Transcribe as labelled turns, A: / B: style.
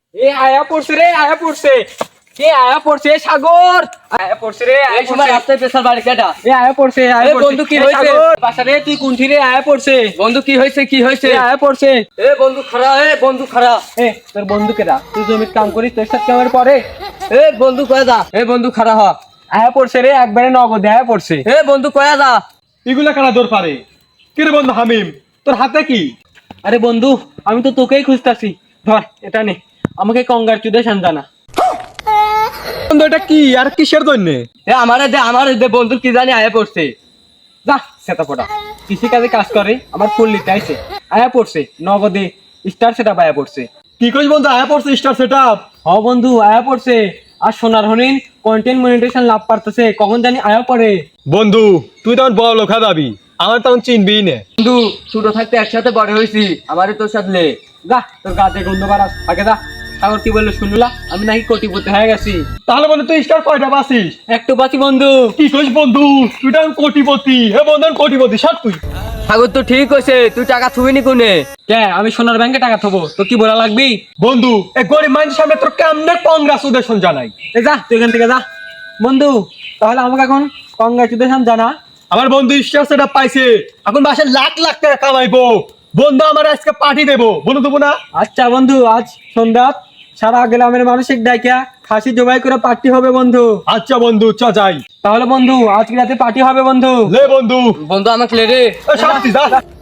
A: এ আয়া পড়ছে রে, আয়া পড়ছে। এ আয়া পড়ছে সাগর, আয়া পড়ছে রে, আয়া
B: এই সময়
A: পড়ছে।
B: রাস্তায় পেছাল বাড়ি কেটা?
A: এ আয়া পড়ছে, আয়া
B: এ
A: পড়ছে।
B: বন্ধু, কি
A: এ
B: হয়েছে?
A: সাগর, বাসা রে, তুই কোনঠি রে? আয়া পড়ছে।
B: বন্ধু কি হয়েছে, কি হয়েছে?
A: এ আয়া পড়ছে।
B: এ বন্ধু খারা, এ বন্ধু খারা।
A: এ তোর বন্ধুকে দা, তুই জমির কাম করিস, তোর সাথে আমার পরে।
B: এ বন্ধু কয়ে যা, এ বন্ধু খারা হ।
A: আয়া পড়ছে রে, একবারে নগদে আয়া পড়ছে।
B: এ বন্ধু কয়ে যা।
C: এগুলা কারা দৌড় পারে? কি রে বন্ধু হামিম, তোর হাতে কি?
A: আরে বন্ধু, আমি তো তোকেই খুঁজতাছি। ধর এটা নে, আমাকে কংগ্রাচুলেশন জানা।
C: বন্ধু এটা কি আর কিসের জন্য?
B: এ আমারে দে বন্ধু, কি জানি আয়া পড়ছে।
A: যা সেটা পড়া, কৃষিকাজে কাজ করে, আমার ফুল লিতে আইছে। আয়া পড়ছে নগদে, স্টার সেটা আয়া পড়ছে।
C: কি কইস বন্ধু, আয়া পড়ছে স্টার সেটআপ?
A: হ বন্ধু, আয়া পড়ছে। আর সোনার হরিণ কন্টেন্ট মনিটাইজেশন লাভ পারতেছে, কখন জানি আয়া পড়ে।
C: বন্ধু তুই তখন বড় লোক দাবি, আমার তখন চিনবি না।
B: বন্ধু ছোট থাকতে একসাথে বড় হয়েছি, আমারে তোর সাথে লে।
A: যা তোর গাছে গন্ধ বাড়াস, আগে যা। সাগর কি বললো শুনলা? আমি নাকি কোটিপতি হয়ে গেছি।
C: তাহলে বন্ধু তুই স্টার কয়টা বাসিস?
A: একটু বাঁচি বন্ধু।
C: কি কইস বন্ধু, তুই তখন কোটিপতি। হে বন্ধু আমি কোটিপতি সব তুই।
B: সাগর তো ঠিক হয়েছে, তুই টাকা থুবিনি কোনে?
A: কে আমি সোনার ব্যাংকে টাকা থবো, তো কি বলা লাগবি?
C: বন্ধু এই গরিব মানুষের সামনে তোর কেমনে কংগ্রাচুলেশন জানাই?
A: এ যা তুই এখান থেকে যা বন্ধু। তাহলে আমাকে এখন কংগ্রাচুলেশন জানা।
C: আমার বন্ধু স্টার সেটআপ পাইছে, এখন মাসে লাখ লাখ টাকা কামাইবো। বন্ধু আমার আজকে পার্টি দেবো, বন্ধু দেবো না?
A: আচ্ছা বন্ধু, আজ সন্ধ্যা সারা গ্রামের মানসিক ডাইকা খাসি জবাই করে পার্টি হবে বন্ধু।
C: আচ্ছা বন্ধু চ যাই।
A: তাহলে বন্ধু আজকে রাতে পার্টি হবে বন্ধু।
C: লে বন্ধু,
B: বন্ধু আমাকে লে রে।
C: শান্তি যা।